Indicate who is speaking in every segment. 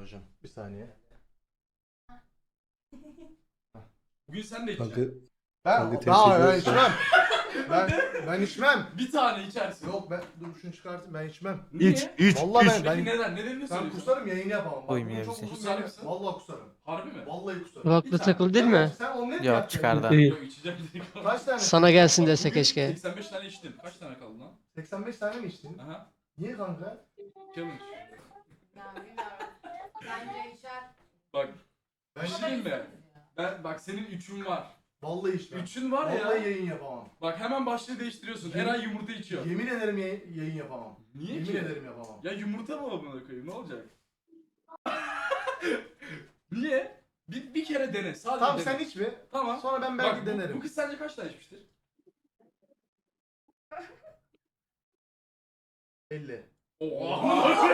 Speaker 1: hocam. Bir saniye.
Speaker 2: Bugün sen de
Speaker 3: Kanka,
Speaker 2: içeceksin.
Speaker 1: Ben
Speaker 3: temsil ediyorsun.
Speaker 1: içmem. ben içmem.
Speaker 2: Bir tane içersin.
Speaker 1: Yok ben dur şunu çıkartayım ben içmem.
Speaker 2: Niye?
Speaker 1: Vallahi
Speaker 2: Peki
Speaker 1: ben
Speaker 2: neden? Nedenini
Speaker 1: ben
Speaker 2: söylüyorsun?
Speaker 1: kusarım yayını yapamam. Bak,
Speaker 4: Uymuyor
Speaker 1: bugün çok
Speaker 4: bize.
Speaker 1: uzun
Speaker 2: Kusar
Speaker 1: yayın-
Speaker 2: mısın?
Speaker 1: Vallahi kusarım.
Speaker 2: Harbi mi?
Speaker 1: Vallahi kusarım.
Speaker 5: Kulaklık
Speaker 2: Bir tane.
Speaker 5: takılı değil mi?
Speaker 1: Sen omlet mi
Speaker 4: Yok,
Speaker 1: yapacaksın?
Speaker 4: çıkardı.
Speaker 3: Değil.
Speaker 2: Yok içecek dedik.
Speaker 1: Kaç tane?
Speaker 5: Sana gelsin
Speaker 2: Bak,
Speaker 5: dese
Speaker 2: bugün
Speaker 5: keşke.
Speaker 2: 85 tane içtin. Kaç tane kaldı lan?
Speaker 1: 85 tane mi içtin?
Speaker 2: Aha.
Speaker 1: Niye kanka?
Speaker 2: Challenge.
Speaker 6: Ya bilmiyorum. Bence içer.
Speaker 2: Bak
Speaker 1: Ben
Speaker 2: bir şey diyeyim mi? Bak senin 3'ün var.
Speaker 1: Vallahi içmem.
Speaker 2: 3'ün var ya.
Speaker 1: Vallahi yayın yapamam.
Speaker 2: Bak hemen başlığı değiştiriyorsun. Eray yumurta içiyor.
Speaker 1: Yemin ederim yayın yapamam.
Speaker 2: Niye
Speaker 1: Yemin
Speaker 2: ki?
Speaker 1: ederim yapamam.
Speaker 2: Ya yumurta mı amına koyayım? Ne olacak? Niye? Bir kere dene. Sadece
Speaker 1: Tamam
Speaker 2: dene.
Speaker 1: sen iç bir.
Speaker 2: Tamam.
Speaker 1: Sonra ben belki
Speaker 2: Bak,
Speaker 1: denerim.
Speaker 2: Bu kız sence kaç tane içmiştir?
Speaker 1: 50.
Speaker 2: Oha!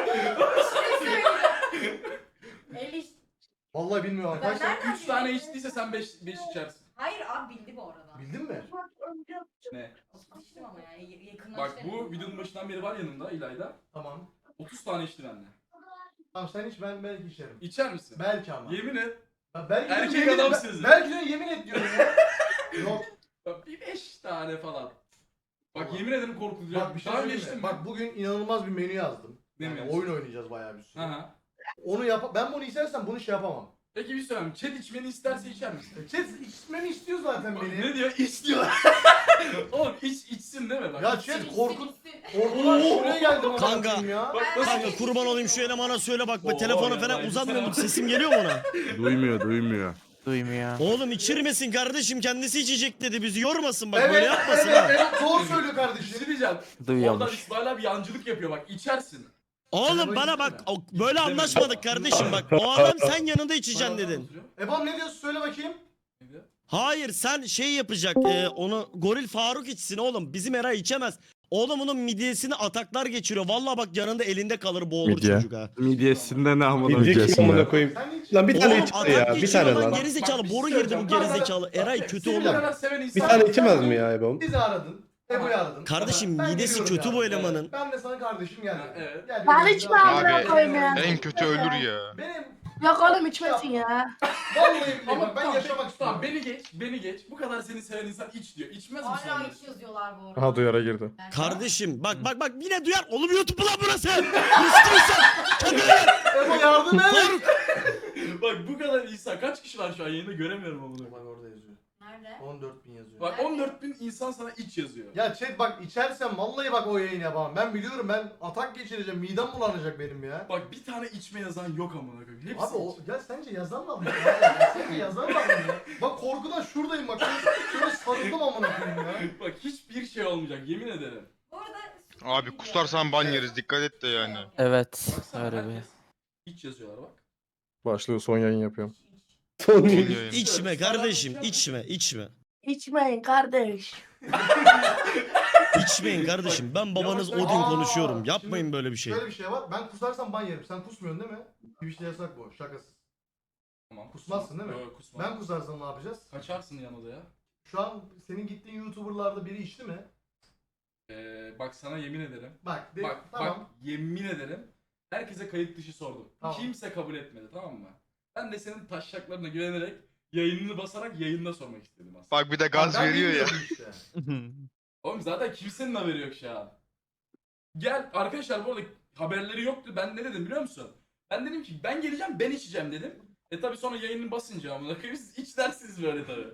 Speaker 6: El iç.
Speaker 1: Vallahi bilmiyorum arkadaşlar.
Speaker 6: nereden
Speaker 2: 3 tane
Speaker 6: bileyim?
Speaker 2: içtiyse sen 5 içersin.
Speaker 6: Hayır abi bildi bu arada.
Speaker 1: Bildin mi?
Speaker 2: Ne?
Speaker 6: İçtim ama yani yakından
Speaker 2: Bak bu videonun başından beri var yanımda İlayda.
Speaker 1: Tamam.
Speaker 2: 30 tane içti bende.
Speaker 1: Tamam sen iç ben belki içerim.
Speaker 2: İçer misin?
Speaker 1: Belki ama.
Speaker 2: Yemin et.
Speaker 1: Ya belki
Speaker 2: Erkek
Speaker 1: de yemin
Speaker 2: adamsınız.
Speaker 1: Belki de yemin et diyorum ya. Yok.
Speaker 2: Bak bir 5 tane falan. Bak
Speaker 1: Tamam.
Speaker 2: yemin ederim korkutucu.
Speaker 1: Bak bir şey
Speaker 2: Daha
Speaker 1: söyleyeyim
Speaker 2: geçtim
Speaker 1: mi?
Speaker 2: mi?
Speaker 1: Bak bugün inanılmaz bir menü yazdım.
Speaker 2: Ne
Speaker 1: Yani
Speaker 2: menüsü?
Speaker 1: oyun oynayacağız bayağı bir süre.
Speaker 2: Aha.
Speaker 1: Onu ben bunu istersem bunu şey yapamam.
Speaker 2: Peki bir söyleyeyim. Chat içmeni isterse içer misin?
Speaker 1: Chat içmemi istiyor zaten
Speaker 2: Bak,
Speaker 1: beni.
Speaker 2: ne diyor? İç diyor. Oğlum içsin değil mi? Bak,
Speaker 1: Ya
Speaker 2: içsin.
Speaker 1: chat
Speaker 6: İçsin,
Speaker 1: korkun.
Speaker 6: içsin.
Speaker 1: Korkudan şuraya geldim ama
Speaker 7: Kanka.
Speaker 1: bakayım ya.
Speaker 2: Bak nasıl
Speaker 7: Kanka kurban olayım şu elemana söyle bak be
Speaker 2: Oo,
Speaker 7: telefonu
Speaker 2: ya,
Speaker 7: falan
Speaker 2: vay,
Speaker 7: uzatmıyor mu?
Speaker 2: güzel.
Speaker 7: Sesim geliyor mu ona?
Speaker 3: Duymuyor.
Speaker 4: Duymuyor.
Speaker 7: Oğlum içirmesin kardeşim kendisi içecek dedi bizi yormasın bak böyle yapmasın
Speaker 1: evet,
Speaker 7: ha.
Speaker 1: evet, doğru söylüyor
Speaker 2: Bir şey
Speaker 1: kardeşim.
Speaker 2: diyeceğim. Oradan
Speaker 4: Duyuyormuş.
Speaker 2: İsmail abi yancılık yapıyor bak içersin.
Speaker 7: Oğlum bana bak böyle anlaşmadık kardeşim bak o adam sen yanında içeceksin dedin.
Speaker 1: Ebam ne diyorsun söyle bakayım.
Speaker 2: Ne diyor?
Speaker 7: Hayır sen şey yapacak onu Goril Faruk içsin oğlum bizim Eray içemez. Oğlum onun midyesini ataklar geçiriyor. Vallahi bak yanında elinde kalır boğulur
Speaker 3: Midye.
Speaker 7: çocuk ha.
Speaker 3: Midyesinde ne amına
Speaker 8: Midye kim
Speaker 3: midyesinde.
Speaker 8: amına koyayım?
Speaker 1: Sen hiç.
Speaker 8: Lan bir tane
Speaker 7: Oğlum
Speaker 8: içti
Speaker 7: atak
Speaker 8: ya. Bir
Speaker 7: geçiyor
Speaker 8: tane
Speaker 7: lan
Speaker 8: lan.
Speaker 7: gerizekalı
Speaker 1: Bak,
Speaker 7: boru
Speaker 1: bir şey
Speaker 7: girdi bu
Speaker 1: söyleyeceğim.
Speaker 7: gerizekalı. Eray kötü
Speaker 2: Senin
Speaker 7: oğlum.
Speaker 2: kadar seven
Speaker 8: Bir
Speaker 2: insan.
Speaker 8: tane içemez mi ya Ebom?
Speaker 1: Bizi aradın. Ebu'yu aradın.
Speaker 7: Kardeşim
Speaker 1: Ben
Speaker 7: midesi
Speaker 1: geliyorum
Speaker 7: kötü
Speaker 1: ya.
Speaker 7: bu elemanın.
Speaker 1: Ben de sana kardeşim gel.
Speaker 2: Ha, evet.
Speaker 1: Gel,
Speaker 9: Ben
Speaker 1: benim
Speaker 9: içmem,
Speaker 1: daha-
Speaker 9: amına koyayım ya.
Speaker 10: En kötü ölür ya.
Speaker 1: Benim
Speaker 9: Yok oğlum içmesin ya.
Speaker 1: vallahi billahi
Speaker 2: Ama
Speaker 1: bak ben
Speaker 2: tamam,
Speaker 1: yaşamak istiyorum.
Speaker 2: Tamam beni geç. Bu kadar seni seven insan iç diyor. İçmez mi
Speaker 6: Hala
Speaker 2: sonra?
Speaker 6: iç yazıyorlar bu arada.
Speaker 8: Aha duyara girdi.
Speaker 6: Yani-
Speaker 7: Kardeşim bak yine duyar. Oğlum YouTube lan burası. Müslüman kendine gel.
Speaker 1: Ebu yardım et.
Speaker 7: Faruk.
Speaker 2: Bak bu kadar insan kaç kişi var şu an yayında göremiyorum onu.
Speaker 1: Bak orada yazıyor.
Speaker 6: Nerede?
Speaker 1: 14.000 yazıyor.
Speaker 2: Bak 14.000 insan sana iç yazıyor.
Speaker 1: Ya chat bak içersem vallahi bak o yayını yapamam. Ben biliyorum ben atak geçireceğim. Midem bulanacak benim ya.
Speaker 2: Bak bir tane içme yazan yok amına koyayım. Hepsi
Speaker 1: Abi o,
Speaker 2: iç.
Speaker 1: ya sence yazan var mı? Ya sence yazan var mı ya? Bak korkudan şuradayım bak. Şurada sarıldım amına koyayım ya.
Speaker 2: Bak hiçbir şey olmayacak yemin ederim.
Speaker 6: Bu arada
Speaker 10: Abi kusarsan ban yeriz dikkat et de yani.
Speaker 4: Evet.
Speaker 2: Baksana
Speaker 4: Öyle bir.
Speaker 2: herkes iç yazıyorlar bak.
Speaker 8: Başlıyor son yayın yapıyorum.
Speaker 10: Son yayın.
Speaker 7: İçme kardeşim içme.
Speaker 9: İçmeyin kardeş.
Speaker 7: İçmeyin kardeşim. Ben babanız
Speaker 1: Yavaş-
Speaker 7: Odin
Speaker 1: Aa,
Speaker 7: konuşuyorum.
Speaker 1: şimdi
Speaker 7: Yapmayın böyle bir şey.
Speaker 1: Şöyle bir şey var. Ben kusarsam ban yerim. Sen kusmuyorsun değil mi? Twitch'te yasak bu. Şakasız.
Speaker 2: Tamam.
Speaker 1: Kusmazsın değil mi?
Speaker 2: Yok kusmaz.
Speaker 1: Ben kusarsam ne yapacağız?
Speaker 2: Kaçarsın yan odaya.
Speaker 1: Şu an senin gittiğin YouTuber'larda biri içti mi?
Speaker 2: Bak sana yemin ederim.
Speaker 1: Bak,
Speaker 2: Bak yemin ederim. Herkese kayıt dışı sordum.
Speaker 1: Tamam.
Speaker 2: Kimse kabul etmedi tamam mı? Ben de senin taşşaklarına güvenerek yayınını basarak yayında sormak istedim aslında.
Speaker 10: Bak bir de gaz
Speaker 1: Ben
Speaker 10: veriyor ya.
Speaker 1: bilmiyorum işte.
Speaker 2: Oğlum zaten kimsenin haberi yok şu an. Gel arkadaşlar bu arada haberleri yoktu. Ben ne dedim biliyor musun? Ben dedim ki ben geleceğim ben içeceğim dedim. Tabi sonra yayını basınca amına koyayım siz iç dersiniz böyle tabi.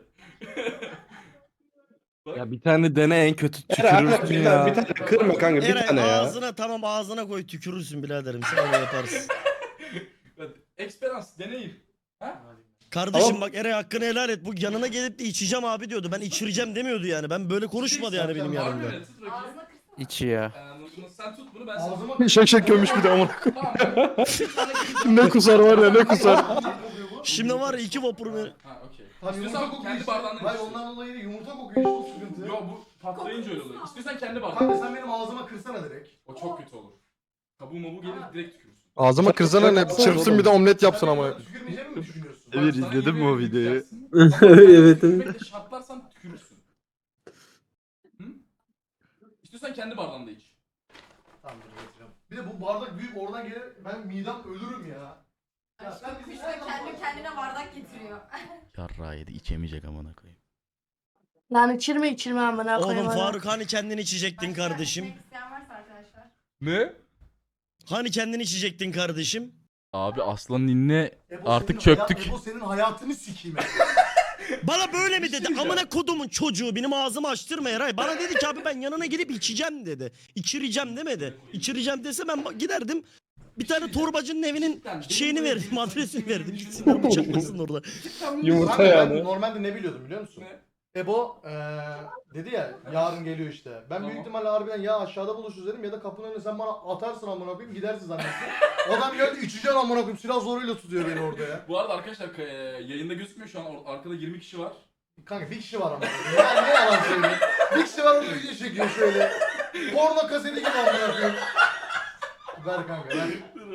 Speaker 3: Ya bir tane dene en kötü
Speaker 8: Eray
Speaker 3: tükürürsün
Speaker 8: bir
Speaker 3: ya.
Speaker 8: tane kırma kanka bir
Speaker 7: Eray
Speaker 8: tane ya.
Speaker 7: ağzına koy tükürürsün biraderim. Sen öyle yaparsın.
Speaker 2: Experience deneyim. Ha?
Speaker 7: Kardeşim
Speaker 8: Ama-
Speaker 7: bak Eray hakkını helal et. Bu yanına gelip de içeceğim abi diyordu. Ben içireceğim demiyordu yani. Ben böyle konuşmadı yani benim
Speaker 1: Sen-
Speaker 7: yanımda.
Speaker 2: Harbi mi? Tut bakayım.
Speaker 6: ağzına kırsana.
Speaker 4: İçiyor.
Speaker 2: Sen tut bunu ben sana.
Speaker 1: Ağzıma
Speaker 8: Şek şek gömmüş bir de amına.
Speaker 2: Tamam ben.
Speaker 8: Ne kusar var ya ne kusar.
Speaker 7: Şimdi var ya 2 vapur mu?
Speaker 2: Ha okey.
Speaker 1: Tamam yumurta
Speaker 2: İstiyorsan
Speaker 1: kokuyor
Speaker 2: kendi
Speaker 1: işte.
Speaker 2: bardağından
Speaker 1: Hayır
Speaker 2: iç.
Speaker 1: ondan dolayı değil, yumurta kokuyor işte o sıkıntı.
Speaker 2: Yo bu patlayınca öyle oluyor. İstiyorsan kendi bardağın.
Speaker 1: Kanka sen benim ağzıma kırsana direkt.
Speaker 2: O çok kötü olur. Kabuğu mabuğu gelir direkt tükürürsün.
Speaker 8: Ağzıma kırsana ne çırpsın bir de omlet yapsın
Speaker 1: Sen
Speaker 8: ama.
Speaker 1: benim tükürmeyeceğimi mi düşünüyorsun?
Speaker 2: Bak,
Speaker 3: Evet,
Speaker 2: sana
Speaker 3: izledin
Speaker 2: yemin
Speaker 3: mi o
Speaker 2: ederim
Speaker 3: videoyu?
Speaker 2: içersin. Ama
Speaker 8: Evet,
Speaker 2: tükürmekle şartlarsan tükürürsün. Hı? İstiyorsan kendi bardağında iç.
Speaker 1: Tamam dur getireceğim. Bir de bu bardak büyük oradan gelir ben midem ölürüm ya.
Speaker 6: Aşkım kuş da kendi kendine bardak getiriyor.
Speaker 7: Yarrağı yedi içemeyecek amına koyayım.
Speaker 9: Lan içirme amına koyayım.
Speaker 7: Oğlum
Speaker 9: bana.
Speaker 7: Faruk hani kendini içecektin
Speaker 6: Başka
Speaker 7: kardeşim?
Speaker 6: içmek isteyen varsa arkadaşlar.
Speaker 2: Ne?
Speaker 7: Hani kendini içecektin kardeşim?
Speaker 2: Abi Aslan'ın inne
Speaker 1: Ebo
Speaker 2: artık
Speaker 1: senin
Speaker 2: çöktük.
Speaker 1: Ebo senin hayatını sikeyim.
Speaker 7: Bana böyle mi
Speaker 2: Bir şey
Speaker 7: dedi?
Speaker 2: diyeceğim.
Speaker 7: Amına kodumun çocuğu benim ağzımı açtırma Eray. Bana dedi ki abi ben yanına gelip içeceğim dedi. İçireceğim demedi. İçireceğim dese ben giderdim. Bir tane torbacının evinin şeyini verdim, adresini verdim. Gitsinler bıçaklasın orada.
Speaker 8: Yumurta
Speaker 1: Kanka ben
Speaker 8: yani.
Speaker 1: normalde ne biliyordum biliyor musun?
Speaker 2: Ne?
Speaker 1: Ebo dedi ya yarın geliyor işte. Ben
Speaker 2: Tamam.
Speaker 1: büyük ihtimalle harbiden ya aşağıda buluşuruz dedim ya da kapının önüne sen bana atarsın amına koyayım gidersin zannettim. Adam geldi içeceğim amına koyayım silah zoruyla tutuyor beni orada ya.
Speaker 2: Bu arada arkadaşlar yayında gözükmüyor şu an arkada 20 kişi var.
Speaker 1: Kanka bir kişi var ama. Yani ne yalan söyleyeyim. Bir kişi var orada video çekiyor şöyle. Porno kaseti gibi amına koyayım. Ver kanka ver.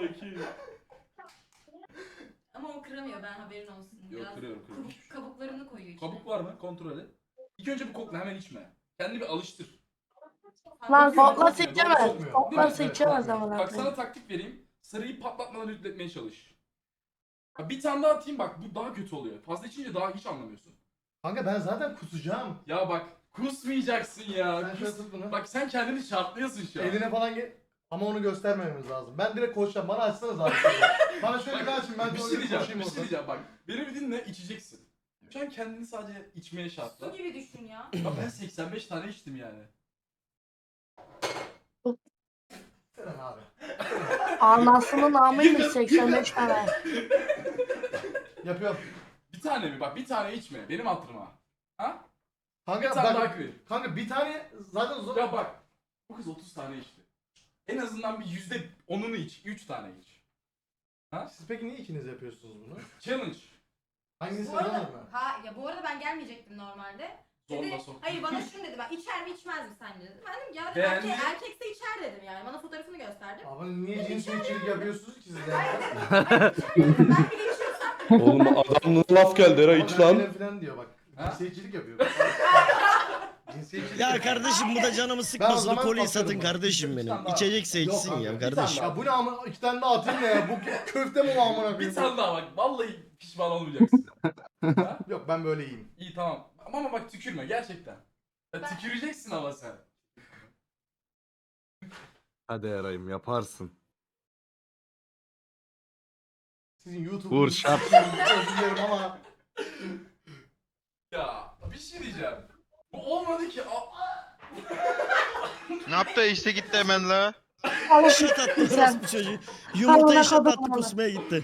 Speaker 6: Ama o kıramıyor ben haberin olsun.
Speaker 2: Yok, kırıyorum.
Speaker 6: Kabuklarını koyuyor içine.
Speaker 2: Kabuk var mı? Kontrol et. İlk önce bir kokla hemen içme. Kendini bir alıştır.
Speaker 9: Lan
Speaker 2: Kokla
Speaker 9: koklası içemez.
Speaker 1: Kokmuyor.
Speaker 9: Koklası
Speaker 1: Evet,
Speaker 9: içemez
Speaker 1: kokmuyor.
Speaker 9: amına
Speaker 2: Bak sana
Speaker 9: koyayım.
Speaker 2: taktik vereyim. Sarıyı patlatmadan üfletmeye çalış. Ha, bir tane daha atayım bak bu daha kötü oluyor. Fazla içince daha hiç anlamıyorsun.
Speaker 1: Kanka ben zaten kusacağım.
Speaker 2: Ya bak kusmayacaksın ya.
Speaker 1: Sen şöyle tut bunu.
Speaker 2: Bak sen kendini şartlıyorsun şu an.
Speaker 1: Eline falan gel. Ama onu göstermememiz lazım. Ben direkt koşacağım. Bana açsanız abi. şöyle. Bana şöyle bir açın. Ben
Speaker 2: bir
Speaker 1: de
Speaker 2: şey
Speaker 1: öyle
Speaker 2: diyeceğim,
Speaker 1: koşayım
Speaker 2: bir şey
Speaker 1: orada.
Speaker 2: diyeceğim bak. Beni bir dinle içeceksin. Şu an kendini sadece içmeye şartla.
Speaker 6: Su gibi düşün ya.
Speaker 2: Bak ben 85 tane içtim yani.
Speaker 1: Seren abi.
Speaker 9: Anasının amıymış 85 tane.
Speaker 1: Yapıyorum.
Speaker 2: Bir tane mi? Bak bir tane içme. Benim hatırıma. Ha? Bir
Speaker 1: Kanka
Speaker 2: tane daha
Speaker 1: bak.
Speaker 2: kır.
Speaker 1: Kanka bir tane zaten zor.
Speaker 2: Ya bak. Bu kız 30 tane içti. En azından bir %10'unu iç. 3 tane iç.
Speaker 1: Siz peki niye ikiniz yapıyorsunuz bunu?
Speaker 2: Challenge.
Speaker 1: Hangisi
Speaker 6: Bu
Speaker 1: kazanır
Speaker 6: arada,
Speaker 1: mı?
Speaker 6: bu arada ben gelmeyecektim normalde.
Speaker 2: Zorla
Speaker 6: Dedi,
Speaker 2: sok.
Speaker 6: hayır bana şunu dedi ben içer mi içmez mi sence dedi. Ben dedim ya
Speaker 2: Beğendi.
Speaker 6: erkekse içer dedim yani bana fotoğrafını gösterdim.
Speaker 1: Abi niye cinsiyetçilik yapıyorsunuz ki siz ya?
Speaker 6: Ben bile içiyorsam
Speaker 8: Oğlum adamın laf geldi Eray iç lan.
Speaker 1: Adam falan diyor bak.
Speaker 2: Ha?
Speaker 1: Cinsiyetçilik yapıyor. Cinsiyetçilik
Speaker 7: Ya
Speaker 1: yapıyor.
Speaker 7: kardeşim bu da canımı
Speaker 1: Ben o
Speaker 7: sıkmasın.
Speaker 1: zaman
Speaker 7: Kolyyi
Speaker 1: atıyorum
Speaker 7: satın
Speaker 1: bana.
Speaker 7: kardeşim
Speaker 2: Bir
Speaker 7: benim.
Speaker 2: tane daha.
Speaker 7: İçecekse
Speaker 1: Yok
Speaker 7: içsin
Speaker 1: kanka,
Speaker 7: ya
Speaker 1: bir
Speaker 7: kardeşim.
Speaker 1: tane daha. Bu ne ama 2 tane daha atayım ne ya? Bu köfte mi bu amına
Speaker 2: Bir
Speaker 1: koyayım?
Speaker 2: tane daha bak. Vallahi pişman olmayacaksın. Ha?
Speaker 1: Yok ben böyle iyiyim.
Speaker 2: İyi tamam. Ama bak tükürme gerçekten. Ya, tüküreceksin ama sen.
Speaker 3: Hadi Eray'ım yaparsın.
Speaker 1: Sizin YouTube'unuz
Speaker 3: Vur, şap.
Speaker 1: özür dilerim ama
Speaker 2: Ya bir şey diyeceğim. Bu olmadı ki.
Speaker 10: Ne yaptı işte gitti hemen la.
Speaker 7: Şat attı orası bu çocuğu. Yumurtayı şat attı kusmaya gitti.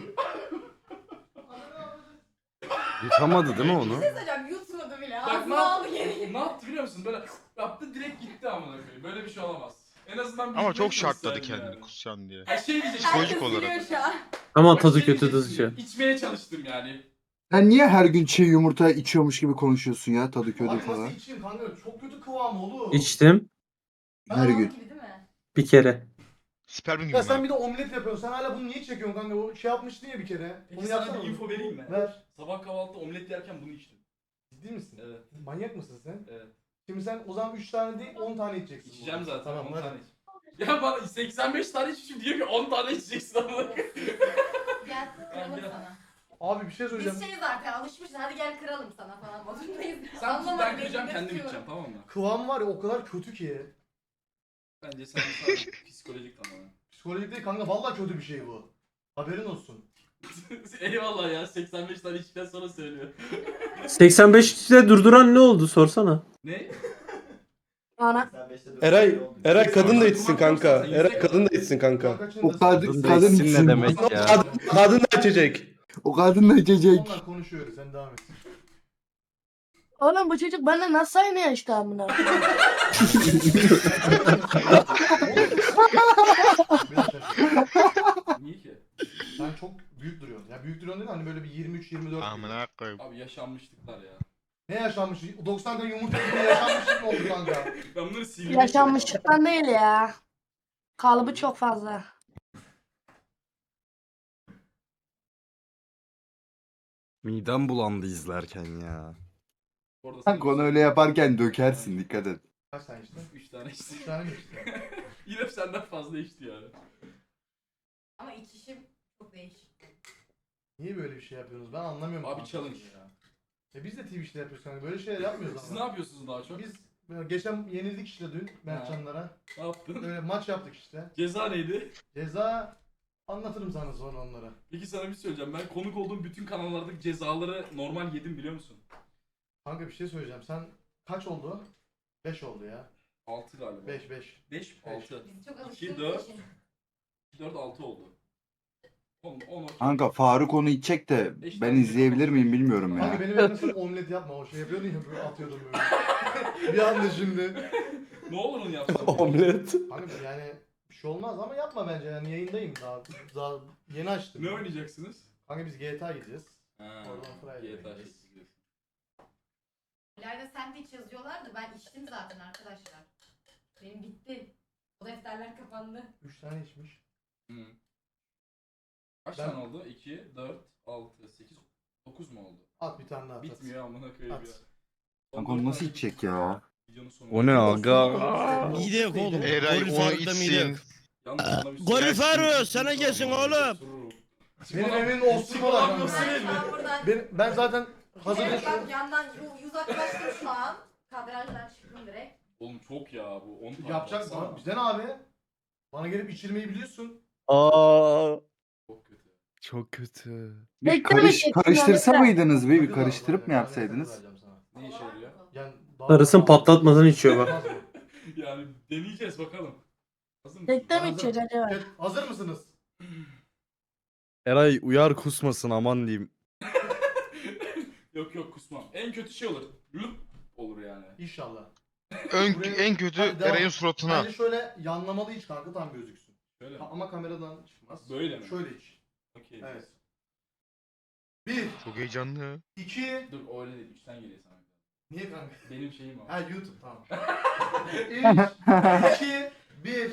Speaker 3: Yutamadı değil mi onu?
Speaker 6: söyleyeceğim yutmadı bile.
Speaker 2: Bak ne
Speaker 6: Ağzına aldı
Speaker 2: yaptı?
Speaker 6: geri.
Speaker 2: Ne yaptı biliyor musun? Böyle yaptı direkt gitti amına koyayım. Böyle bir şey olamaz. En azından bir
Speaker 10: Ama
Speaker 2: gitmek
Speaker 10: çok şartladı
Speaker 2: isterdim
Speaker 10: kendini
Speaker 2: yani.
Speaker 10: kusacaksın diye.
Speaker 2: Ha şey diyeceksin.
Speaker 10: Psikolojik
Speaker 6: Herkes
Speaker 10: olarak.
Speaker 6: biliyor şu an.
Speaker 4: Ama
Speaker 2: Bak,
Speaker 4: tadı
Speaker 2: şey
Speaker 4: kötü
Speaker 2: diyeceksin,
Speaker 4: dışı.
Speaker 2: İçmeye çalıştım yani.
Speaker 5: Sen niye her gün çiğ yumurta içiyormuş gibi konuşuyorsun ya tadı kötü
Speaker 1: abi
Speaker 5: falan?
Speaker 1: nasıl içeyim kanka çok kötü kıvam oğlum.
Speaker 4: İçtim
Speaker 5: Her gün.
Speaker 6: Gibi değil mi?
Speaker 4: bir kere.
Speaker 10: Spermin gibi
Speaker 1: Ya sen
Speaker 10: mi?
Speaker 1: bir de omlet yapıyorsun. Sen hala bunu niye çekiyorsun kanka? O şey yapmıştın ya bir kere.
Speaker 2: Peki
Speaker 1: Onu
Speaker 2: sana
Speaker 1: yapsana.
Speaker 2: bir info vereyim mi?
Speaker 1: Ver.
Speaker 2: Sabah kahvaltıda omlet yerken bunu içtim.
Speaker 1: Ciddi misin?
Speaker 2: Evet.
Speaker 1: Manyak mısın sen?
Speaker 2: Evet.
Speaker 1: Şimdi sen o zaman 3 tane değil 10 tane içeceksin.
Speaker 2: İçeceğim
Speaker 1: burada.
Speaker 2: zaten.
Speaker 1: Tamam
Speaker 2: 10
Speaker 1: hadi.
Speaker 2: tane iç. Ya bana 85 tane içmişim diyor ki 10 tane içeceksin ama.
Speaker 6: Gel kıralım
Speaker 2: gel.
Speaker 6: sana.
Speaker 1: Abi bir şey söyleyeceğim.
Speaker 6: Biz şey zaten alışmışız hadi gel kıralım sana falan modundayız.
Speaker 2: Sen
Speaker 6: Anlamadım,
Speaker 2: ben kıracağım
Speaker 6: elinde
Speaker 2: kendim
Speaker 6: tutuyorum.
Speaker 2: içeceğim tamam mı?
Speaker 1: Kıvam var ya o kadar kötü ki.
Speaker 2: Bence sen sadece psikolojik tamamen.
Speaker 1: Psikolojik değil kanka vallahi kötü bir şey bu. Haberin olsun.
Speaker 2: Eyvallah ya 85 tane içtikten sonra söylüyor.
Speaker 4: 85'te durduran ne oldu sorsana.
Speaker 2: Ne?
Speaker 9: Ana.
Speaker 8: Eray kadın da içsin kanka. Eray kadın da içsin kanka.
Speaker 1: Kaçın
Speaker 5: O
Speaker 1: da-
Speaker 5: kadın,
Speaker 3: da
Speaker 5: kadın
Speaker 3: içsin ne
Speaker 5: içsin.
Speaker 3: demek ya?
Speaker 8: Kadın da içecek.
Speaker 5: O kadın da içecek.
Speaker 1: Onlar konuşuyoruz sen devam et.
Speaker 9: Oğlum bu çocuk benden nasıl aynı yaşta amına koyayım?
Speaker 1: Biraz şaşırdım.
Speaker 2: Niye ki?
Speaker 1: Sen çok büyük duruyorsun. Ya büyük duruyorsun değil hani böyle bir 23-24.
Speaker 10: Amına koyayım.
Speaker 2: Abi yaşanmışlıklar ya.
Speaker 1: Ne yaşanmış? 90 tane yumurta gibi yaşanmışlık mı oldu kanka?
Speaker 2: Ben bunları silmek
Speaker 9: Yaşanmışlıktan değil ya. Kalıbı çok fazla.
Speaker 3: Midem bulandı izlerken ya.
Speaker 2: Orada
Speaker 5: Kanka onu öyle yaparken dökersin dikkat et.
Speaker 1: Kaç tane içtin?
Speaker 2: 3 tane içti.
Speaker 1: 3 tane mi içtin?
Speaker 2: Yine senden fazla içti yani.
Speaker 6: Ama içişim çok değişik.
Speaker 1: Niye böyle bir şey yapıyorsunuz? Ben anlamıyorum.
Speaker 2: Abi
Speaker 1: kanka
Speaker 2: challenge.
Speaker 1: ya. Biz de Twitch'te yapıyoruz kanka. Böyle şeyler yapmıyoruz
Speaker 2: Siz
Speaker 1: ama.
Speaker 2: ne yapıyorsunuz daha çok?
Speaker 1: Biz geçen yenildik işte dün Mertcanlara.
Speaker 2: Ne yaptın?
Speaker 1: Böyle maç yaptık işte.
Speaker 2: Ceza neydi?
Speaker 1: Ceza anlatırım sana sonra onlara.
Speaker 2: Peki sana bir şey söyleyeceğim. Ben konuk olduğum bütün kanallardaki cezaları normal yedim biliyor musun?
Speaker 1: Kanka bir şey söyleyeceğim. Sen kaç oldu? 5 oldu ya.
Speaker 2: 6 galiba.
Speaker 1: 5 5.
Speaker 2: 5, 6.
Speaker 6: Biz çok
Speaker 2: 2,
Speaker 6: alıştığımız
Speaker 2: 4,
Speaker 6: için.
Speaker 2: 4, 6 oldu. 10
Speaker 5: Kanka Faruk onu içecek de ben izleyebilir miyim bilmiyorum
Speaker 1: Kanka
Speaker 5: ya.
Speaker 1: benim evimde sen omlet yapma. O şey yapıyordun ya böyle atıyordum böyle. Bir anda şimdi.
Speaker 2: Ne olur onu yapsam?
Speaker 8: Omlet.
Speaker 1: Kanka yani bir şey olmaz ama yapma bence yani yayındayım daha yeni açtım.
Speaker 2: Ne oynayacaksınız?
Speaker 1: Kanka biz GTA gideceğiz.
Speaker 2: Ha,
Speaker 1: Oradan Friday'e
Speaker 2: GTA
Speaker 1: gideceğiz.
Speaker 2: şey izliyorsun.
Speaker 6: İleride sandviç yazıyorlardı. Ben içtim zaten arkadaşlar. Benim bitti. O defterler kapandı.
Speaker 1: 3 tane içmiş.
Speaker 2: Hı. Kaç
Speaker 1: Ben-
Speaker 2: tane oldu? 2, 4, 6, 8, 9 mu oldu?
Speaker 1: At bir tane daha at.
Speaker 2: Bitmiyor amına koyayım
Speaker 1: At.
Speaker 2: ya.
Speaker 5: Kanka onu nasıl içecek ya?
Speaker 2: Videonun sonu.
Speaker 3: O ne aga?
Speaker 7: Mide yok oğlum.
Speaker 10: Eray
Speaker 7: Goril
Speaker 10: onu
Speaker 7: Faruk'ta mide yok.
Speaker 10: içsin.
Speaker 2: Yalnız sana bir şey
Speaker 7: Goril
Speaker 2: söyleyeyim.
Speaker 7: Faruk sana gelsin oğlum.
Speaker 1: Benim evimin osurma var kanka.
Speaker 2: Çikolata
Speaker 6: Ben şu an buradan...
Speaker 1: Ben zaten hazır
Speaker 6: Evet,
Speaker 1: yaşıyorum.
Speaker 6: bak yandan uzaklaştım şu an. Kadrajdan çıktım direkt.
Speaker 2: Oğlum çok ya bu. 10 tane
Speaker 1: Yapacak
Speaker 2: baksana.
Speaker 1: mı? Bizden abi. Bana gelip içirmeyi biliyorsun.
Speaker 3: Aa,
Speaker 2: Çok kötü.
Speaker 3: çok kötü.
Speaker 5: Bir
Speaker 9: Beklemeyeceksin
Speaker 5: karıştırsa
Speaker 9: abi.
Speaker 5: mıydınız bir
Speaker 1: Sakız
Speaker 5: karıştırıp
Speaker 1: abi,
Speaker 5: mı
Speaker 1: yani,
Speaker 5: yapsaydınız?
Speaker 1: sakız vereceğim sana.
Speaker 2: Ne işe yarıyor?
Speaker 1: Yani
Speaker 4: Karısını patlatmadan içiyor bak.
Speaker 1: Olmaz mı?
Speaker 2: Yani deneyeceğiz bakalım. Hazır mısın?
Speaker 9: Tekte mi
Speaker 1: Hazır.
Speaker 9: içecek acaba?
Speaker 1: Hazır mısınız?
Speaker 3: Eray uyar kusmasın aman diyeyim.
Speaker 2: Yok yok kusmam. En kötü şey olur. Lüp olur yani.
Speaker 1: İnşallah.
Speaker 10: En kötü
Speaker 1: Hadi devam.
Speaker 10: Eray'ın suratına.
Speaker 1: Bence şöyle yanlamalı iç kanka tam gözüksün.
Speaker 2: Şöyle mi?
Speaker 1: Ama kameradan çıkmaz.
Speaker 2: Böyle mi?
Speaker 1: Şöyle iç.
Speaker 2: Okey.
Speaker 1: Evet. 1,
Speaker 10: Çok heyecanlı.
Speaker 1: 2,
Speaker 2: Dur o öyle değil. Üçten geliyor sana.
Speaker 1: niye kanka?
Speaker 2: Benim şeyim o.
Speaker 1: Ha YouTube tamam. 3, 2, 1.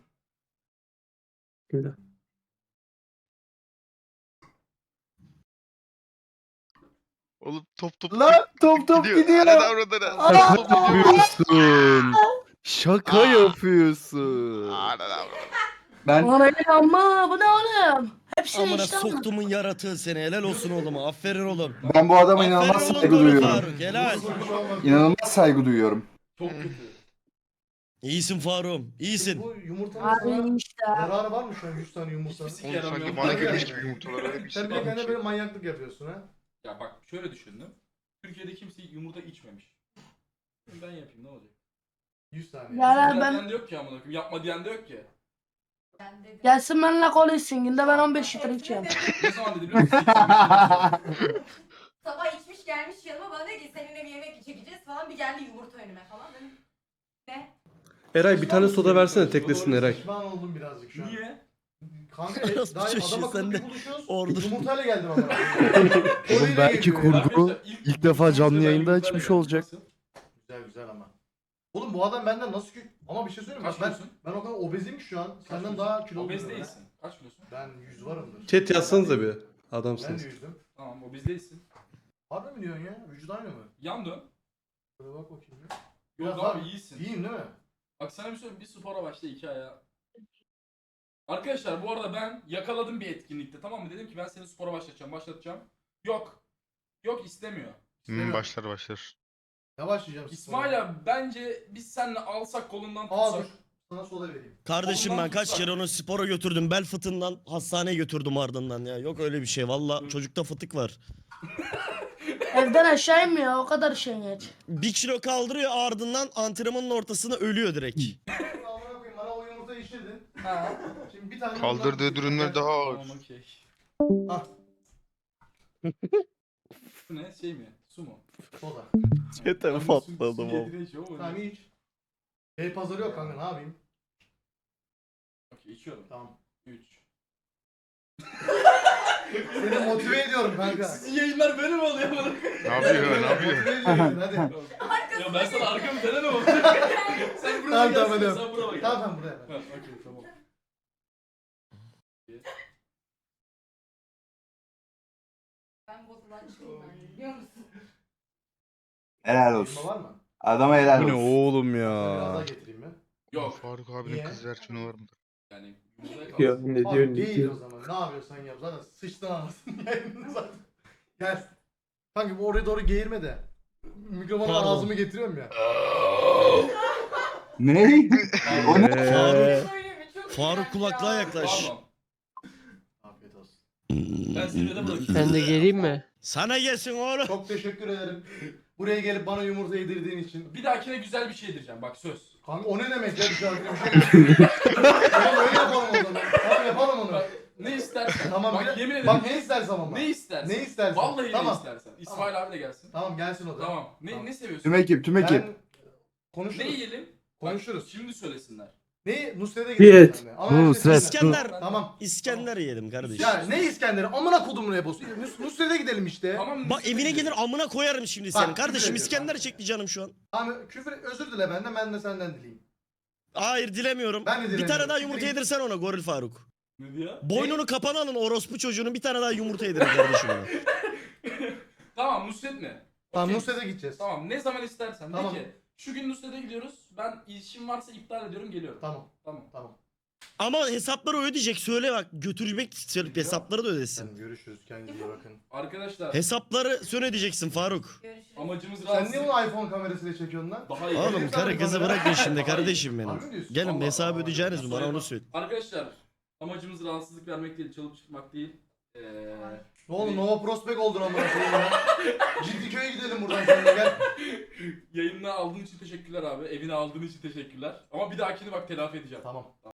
Speaker 10: Oğlum top
Speaker 5: Lan top gidiyor.
Speaker 10: Ana avradına.
Speaker 5: Aa!
Speaker 10: Top gidiyor.
Speaker 3: Yapıyorsun. Şaka
Speaker 10: Aa.
Speaker 3: yapıyorsun.
Speaker 10: Ana avradına.
Speaker 5: Ben
Speaker 9: Ulan öyle ama bu ne oğlum? Hepsini
Speaker 7: Amına
Speaker 9: içti ama.
Speaker 7: soktumun yaratığı seni. Helal olsun oğlum. Aferin oğlum.
Speaker 5: ben bu adama inanılmaz
Speaker 7: Aferin oğlum
Speaker 5: saygı
Speaker 7: Goril
Speaker 5: duyuyorum.
Speaker 7: Faruk. Helal.
Speaker 1: Bir şey olmaz.
Speaker 5: İnanılmaz saygı duyuyorum.
Speaker 2: Çok kötü.
Speaker 7: İyisin Faruk'um. İyisin.
Speaker 1: Bu yumurtanın sana
Speaker 9: Abi işte.
Speaker 1: zararı var mı şu an 100 tane yumurtanın?
Speaker 2: Hiçbir
Speaker 10: Oğlum
Speaker 2: yaramıyor.
Speaker 10: sanki bana gelmiş gibi yumurtalar öyle bir
Speaker 1: Sen
Speaker 10: şey
Speaker 1: bir de kendine
Speaker 10: varmış.
Speaker 1: böyle manyaklık yapıyorsun ha.
Speaker 2: Ya bak şöyle düşündüm. Türkiye'de kimse yumurta içmemiş. Ben yapayım ne olacak?
Speaker 1: 100 tane.
Speaker 9: Ya lan
Speaker 2: Yapma
Speaker 9: ben
Speaker 2: diyen de yok ki amına koyayım. Yapma diyen de yok ki.
Speaker 6: Ben dedim.
Speaker 9: gelsin benimle kola içsin. Günde ben 15 litre içiyorum.
Speaker 2: Ne zaman dedi biliyor musun?
Speaker 6: Sabah içmiş gelmiş yanıma bana dedi ki seninle bir yemek çekeceğiz falan. Bir geldi yumurta önüme falan. Dedim, ne?
Speaker 8: Eray bir tane soda versene teklesin Eray.
Speaker 1: Pişman oldum birazcık şu an.
Speaker 2: Niye?
Speaker 1: Kanka
Speaker 7: Nasıl
Speaker 1: daha
Speaker 7: bir şey
Speaker 1: adam akıllı
Speaker 7: sen
Speaker 1: bir
Speaker 7: de
Speaker 1: buluşuyoruz.
Speaker 7: orada.
Speaker 1: Yumurtayla geldim ama.
Speaker 3: Oğlum belki kurgu
Speaker 2: Arkadaşlar,
Speaker 3: ilk defa canlı
Speaker 2: yumurtayla
Speaker 3: yayında
Speaker 2: yumurtayla
Speaker 3: açmış
Speaker 2: geldim.
Speaker 3: olacak.
Speaker 2: Nasıl?
Speaker 1: Güzel güzel ama. Oğlum bu adam benden nasıl ama bir şey söyleyeyim mi?
Speaker 2: Kaç
Speaker 1: Ben,
Speaker 2: kilosun?
Speaker 1: ben o kadar obezim ki şu an.
Speaker 2: Kaç
Speaker 1: Senden
Speaker 2: kilosun?
Speaker 1: daha kilolu
Speaker 2: Obez
Speaker 1: duruyorum
Speaker 2: değilsin. Kaç kilosun?
Speaker 1: ha. Ben 100 varımdır.
Speaker 8: Chat yazsanıza bir.
Speaker 1: Ben de
Speaker 8: Adamsınız.
Speaker 1: 100'düm.
Speaker 2: Tamam obez değilsin.
Speaker 1: Harbi mi diyorsun ya? Vücut aynı mı?
Speaker 2: Yan dön.
Speaker 1: Şöyle bak bakayım. ya.
Speaker 2: Yok
Speaker 1: Biraz
Speaker 2: abi
Speaker 1: daha
Speaker 2: iyisin.
Speaker 1: İyiyim değil mi?
Speaker 2: Bak sana bir söyleyeyim bir spora başla 2 aya. Arkadaşlar bu arada ben yakaladım bir etkinlikte tamam mı? Dedim ki ben seni spora başlatacağım. Yok. Yok istemiyor.
Speaker 10: Başlar.
Speaker 1: Ne başlayacağım?
Speaker 2: İsmail abi bence biz seninle alsak kolundan
Speaker 1: Aa dur.
Speaker 2: tutsak.
Speaker 1: Sana soda vereyim.
Speaker 7: Kardeşim
Speaker 2: Ondan
Speaker 7: ben kaç
Speaker 2: tutsak.
Speaker 7: kere onu spora götürdüm. Bel fıtığından hastaneye götürdüm ardından ya. Yok öyle bir şey. Valla çocukta fıtık var.
Speaker 9: Evden aşağı inmiyor o kadar şey geç.
Speaker 7: 1 kilo kaldırıyor ardından antrenmanın ortasında ölüyor direkt.
Speaker 1: Amına koyayım bana o yumurtayı içirdin. Ha. Şimdi bir tane
Speaker 10: Kaldırdığı ürünler daha ağır.
Speaker 2: Tamam okey.
Speaker 1: Ah.
Speaker 2: Bu ne şey mi? Su mu?
Speaker 1: Soda.
Speaker 3: Chat'e
Speaker 2: Anne su-
Speaker 3: patladım
Speaker 2: su
Speaker 3: oğlum.
Speaker 2: niyetine içiyor ama
Speaker 1: Tamam
Speaker 2: ne?
Speaker 1: iç. Bey pazarı yok kanka ne yapayım?
Speaker 2: Okey içiyorum.
Speaker 1: Tamam.
Speaker 2: 3.
Speaker 1: Seni motive ediyorum kanka.
Speaker 2: Sizin yayınlar böyle mi oluyor bana?
Speaker 10: Ne yapıyor?
Speaker 1: Motive ediyorum hadi.
Speaker 2: Ya ben sana arkamı denemem ama. Sen
Speaker 1: Tamam,
Speaker 2: buraya
Speaker 1: tamam,
Speaker 2: gelsene,
Speaker 1: hadi.
Speaker 2: sen buraya gel.
Speaker 1: Tamam buraya.
Speaker 2: Ha, okey tamam.
Speaker 6: Ben bozulan çıktım ben biliyor musun?
Speaker 5: Helal
Speaker 1: Elma
Speaker 5: olsun.
Speaker 1: var mı?
Speaker 5: Adama helal
Speaker 3: Bu ne
Speaker 5: olsun.
Speaker 3: oğlum
Speaker 1: Biraz daha
Speaker 3: ya.
Speaker 1: getireyim mi?
Speaker 2: Yok.
Speaker 10: Faruk abinin
Speaker 1: Niye?
Speaker 10: kız versiyonu var mı?
Speaker 2: Yani
Speaker 4: Ya ne diyor
Speaker 1: Abi
Speaker 4: ne
Speaker 1: değil o
Speaker 4: diyor.
Speaker 1: zaman. Ne yapıyorsan yap. Zaten sıçtın anasını yayında zaten. Gel. Kanka bu oraya doğru geğirme de. Mikrofonu
Speaker 7: Pardon.
Speaker 1: ağzımı getiriyorum ya.
Speaker 5: Ne? O ne?
Speaker 7: Faruk kulaklığa yaklaş.
Speaker 2: Pardon.
Speaker 1: Afiyet olsun.
Speaker 2: Ben zirvede bırakayım.
Speaker 3: Ben de geleyim mi?
Speaker 7: Sana gelsin oğlum.
Speaker 1: Çok teşekkür ederim. Buraya gelip bana yumurta yedirdiğin için.
Speaker 2: Bir dahakine güzel bir şey yedireceğim bak söz.
Speaker 1: Kanka o ne demek ya dışarıda bir şey. Tamam öyle yapalım o zaman. Tamam yapalım onu.
Speaker 2: Bak, ne istersen.
Speaker 1: Tamam
Speaker 2: bak
Speaker 1: bir
Speaker 2: yemin
Speaker 1: de,
Speaker 2: ederim.
Speaker 1: bak ne istersen ama.
Speaker 2: Ne istersen.
Speaker 1: Ne istersen.
Speaker 2: Vallahi
Speaker 1: Tamam.
Speaker 2: ne istersen. İsmail abi de gelsin.
Speaker 1: Tamam gelsin o da.
Speaker 2: Tamam. Ne
Speaker 1: Tamam.
Speaker 2: ne seviyorsun?
Speaker 5: Tüm ekip, tüm ekip.
Speaker 1: Ben konuşuruz.
Speaker 2: Ne yiyelim?
Speaker 1: Konuşuruz.
Speaker 2: Bak, şimdi söylesinler.
Speaker 1: Ne? Nusret'e
Speaker 4: Diyet.
Speaker 1: gidelim. Ama her şey
Speaker 3: Nusret.
Speaker 1: seninle.
Speaker 7: İskender.
Speaker 1: Tamam.
Speaker 7: İskender yiyelim kardeşim.
Speaker 1: Ya ne İskender'i? Amına kodumun Ebosu. Nusret'e gidelim işte.
Speaker 2: Tamam.
Speaker 7: Bak evine gelir amına koyarım şimdi
Speaker 1: Bak,
Speaker 7: senin. Kardeşim
Speaker 1: küfür
Speaker 7: İskender
Speaker 1: ediyor.
Speaker 7: çekti canım şu an.
Speaker 1: Tamam küfür özür dile benden ben de senden dileyim.
Speaker 7: Hayır dilemiyorum.
Speaker 1: Ben de
Speaker 7: Bir
Speaker 1: dilemiyorum.
Speaker 7: tane daha yumurta yedirsen ona Goril Faruk.
Speaker 2: Ne diyor?
Speaker 7: Boynunu kapan alın orospu çocuğunun bir tane daha yumurta yedirin kardeşim ona.
Speaker 2: Tamam Nusret mi?
Speaker 1: Tamam
Speaker 2: Okey.
Speaker 1: Nusret'e gideceğiz.
Speaker 2: Tamam ne zaman istersen.
Speaker 1: Tamam.
Speaker 2: De ki şu gün Nusret'e gidiyoruz. Ben işim varsa iptal ediyorum geliyorum.
Speaker 1: Tamam.
Speaker 2: Tamam.
Speaker 1: Tamam.
Speaker 7: Ama hesapları ödeyecek söyle bak götürecek söyleyip hesapları da ödesin.
Speaker 1: Sen görüşürüz kendinize iyi bakın.
Speaker 2: Arkadaşlar
Speaker 7: Hesapları sen ödeyeceksin Faruk.
Speaker 6: Görüşürüz.
Speaker 2: amacımız
Speaker 1: Sen
Speaker 2: rahatsız.
Speaker 1: niye bunu iPhone kamerasıyla çekiyorsun lan?
Speaker 2: Daha iyi.
Speaker 7: Oğlum karı kızı bırakın şimdi kardeşim
Speaker 1: Harbi mi
Speaker 7: benim.
Speaker 1: diyorsun?
Speaker 7: Gelin
Speaker 2: Allah
Speaker 7: hesabı
Speaker 2: Allah.
Speaker 7: ödeyeceğiniz mi bana onu söyle.
Speaker 2: Arkadaşlar amacımız rahatsızlık vermek değil, çalıp çıkmak değil.
Speaker 1: Ne oğlum Nova Prospect oldun amına koyayım ya. Ciddiköy'e gidelim buradan seninle gel.
Speaker 2: Yayınına aldığın için teşekkürler abi. Evine aldığın için teşekkürler. Ama bir dahakini bak telafi edeceğim.
Speaker 1: Tamam.